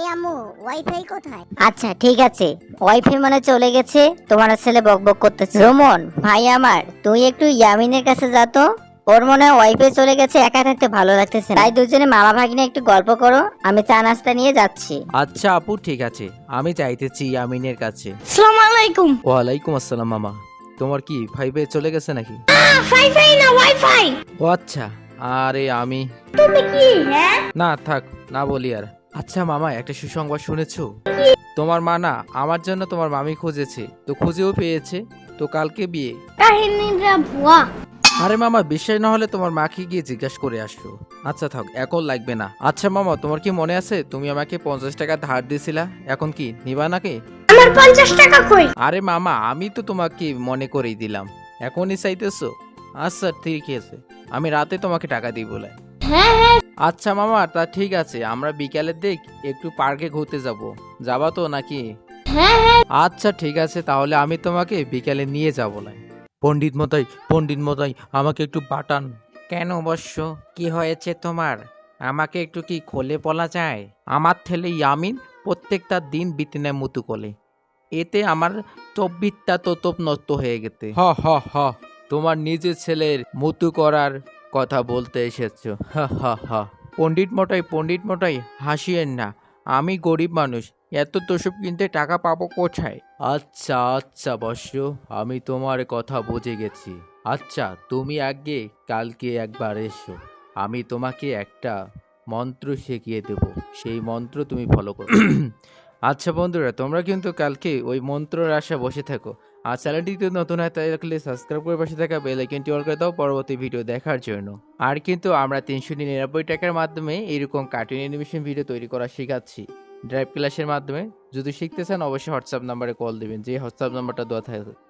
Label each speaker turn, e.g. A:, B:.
A: আম্মু ওয়াইফাই কোথায়?
B: আচ্ছা ঠিক আছে, ওয়াইফাই মানে চলে গেছে, তোমার ছেলে বকবক করতেছে। রোমন ভাই আমার, তুই একটু ইয়ামিনের কাছে যা তো, ওর মনে হয় ওয়াইফাই চলে গেছে, একা থাকতে ভালো লাগতেছে না। তাই দুজনে মামা ভাগ্নে একটু গল্প করো, আমি চা নাস্তা নিয়ে যাচ্ছি।
C: আচ্ছা আপু ঠিক আছে, আমি চাইতেছি ইয়ামিনের কাছে।
A: আসসালামু আলাইকুম।
C: ওয়ালাইকুম আসসালাম মামা। তোমার কি ফাইভে চলে গেছে নাকি?
A: ওয়াইফাই না ওয়াইফাই।
C: ও আচ্ছা, আরে আমি
A: তুমি কি হ্যাঁ?
C: না থাক, না বলি আর। আচ্ছা মামা, একটা সুসংবাদ শুনেছো? তোমার মা না আমার জন্য তোমার মামি খুঁজেছে, তো খুঁজেও পেয়েছে, তো কালকে বিয়ে।
A: কাহিনীটা ভুয়া।
C: আরে মামা, বিশ্বাস না হলে তোমার মাকে গিয়ে জিজ্ঞাসা করে আসো। আচ্ছা থাক, এখন লাগবে না। আচ্ছা মামা, তোমার কি মনে আছে তুমি আমাকে 50 টাকা ধার দিয়েছিলা, এখন কি নিবা নাকি?
A: আমার 50 টাকা কই?
C: আরে মামা, আমি তো তোমাকে মনে করেই দিলাম, এখনই চাইতেছো? আচ্ছা ঠিক আছে, আমি রাতে তোমাকে টাকা দিই বলে।
A: হ্যাঁ হ্যাঁ।
C: আচ্ছা মামা, তা ঠিক আছে, আমরা বিকালের দিক একটু পার্কে ঘুরতে যাব, যাবা তো নাকি?
A: হ্যাঁ হ্যাঁ।
C: আচ্ছা ঠিক আছে, তাহলে আমি তোমাকে বিকালে নিয়ে যাবো না। পণ্ডিত মতাই, পণ্ডিত মতাই, আমাকে একটু পাঠান। কেন অবশ্য, কি হয়েছে তোমার? আমাকে একটু কি খোলে বলা যায়? আমার ছেলে ইয়ামিন প্রত্যেকটা দিন বিতিনে মুতু কোলে, এতে আমার তব্বিরটা তোতপ নষ্ট হয়ে গেছে। হ হ হ, তোমার নিজের ছেলের মুতু করার কথা বলতে এসেছো? হা হা হা। পণ্ডিত মটাই হাসিয়েন না, আমি গরিব মানুষ, এত তোষব কিনতে টাকা পাবো কোথায়? আচ্ছা আচ্ছা বর্ষ, আমি তোমার কথা বুঝে গেছি। আচ্ছা তুমি আগে কালকে একবার এসো, আমি তোমাকে একটা মন্ত্র শিখিয়ে দেব, সেই মন্ত্র তুমি ফলো করো। আচ্ছা বন্ধুরা, তোমরা কিন্তু কালকে ওই মন্ত্রের আশা বসে থাকো। আর চ্যানেলটিতে নতুন হয় তাই রাখলে সাবস্ক্রাইব করে পাশে থাকা বেল আইকনটি অল করে দাও পরবর্তী ভিডিও দেখার জন্য। আর কিন্তু আমরা 399 টাকার মাধ্যমে এরকম কার্টুন অ্যানিমেশন ভিডিও তৈরি করা শেখাচ্ছি ড্রাইভ ক্লাসের মাধ্যমে। যদি শিখতে চান অবশ্যই হোয়াটসঅ্যাপ নাম্বারে কল দিবেন, যে হোয়াটসঅ্যাপ নাম্বারটা দেওয়া থাকে।